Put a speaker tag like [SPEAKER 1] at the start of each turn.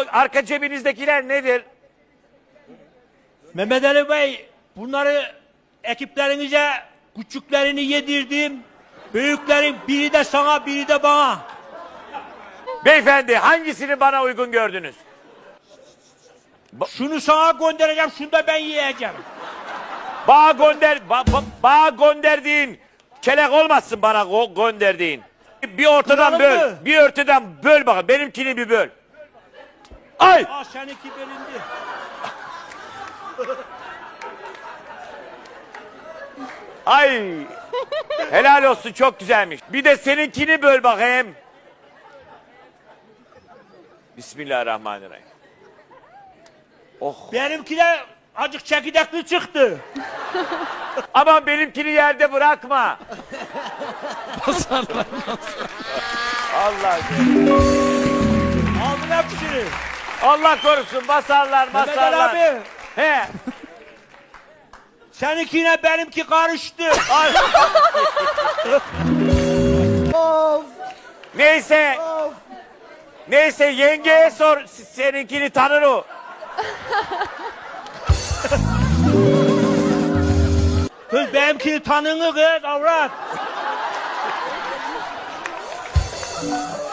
[SPEAKER 1] arka cebinizdekiler nedir?
[SPEAKER 2] Mehmet Ali Bey, bunları ekiplerinize küçüklerini yedirdim. Büyüklerin biri de sana, biri de bana.
[SPEAKER 1] Beyefendi hangisini bana uygun gördünüz?
[SPEAKER 2] Şunu sana göndereceğim, şunu da ben yiyeceğim.
[SPEAKER 1] Bana gönderdiğin kelek olmasın bana gönderdiğin. Bir ortadan
[SPEAKER 2] Kıralım
[SPEAKER 1] böl.
[SPEAKER 2] mı?
[SPEAKER 1] Bir ortadan böl bakalım. Benimkini bir böl. Ay!
[SPEAKER 2] Aa, seninki bölündü.
[SPEAKER 1] Ay! Helal olsun, çok güzelmiş. Bir de seninkini böl bakayım. Bismillahirrahmanirrahim. Oh.
[SPEAKER 2] Benimki de acık çekirdekli çıktı.
[SPEAKER 1] Aman benimkini yerde bırakma. Allah.
[SPEAKER 2] Aldın hepsini.
[SPEAKER 1] Allah korusun, basarlar
[SPEAKER 2] Mehmet Ali
[SPEAKER 1] basarlar.
[SPEAKER 2] abi,
[SPEAKER 1] He.
[SPEAKER 2] seninkiyle benimki karıştı.
[SPEAKER 1] Ay. Neyse. Neyse yengeye sor, seninkini tanır o.
[SPEAKER 2] Kız benimkini tanını kız avrat.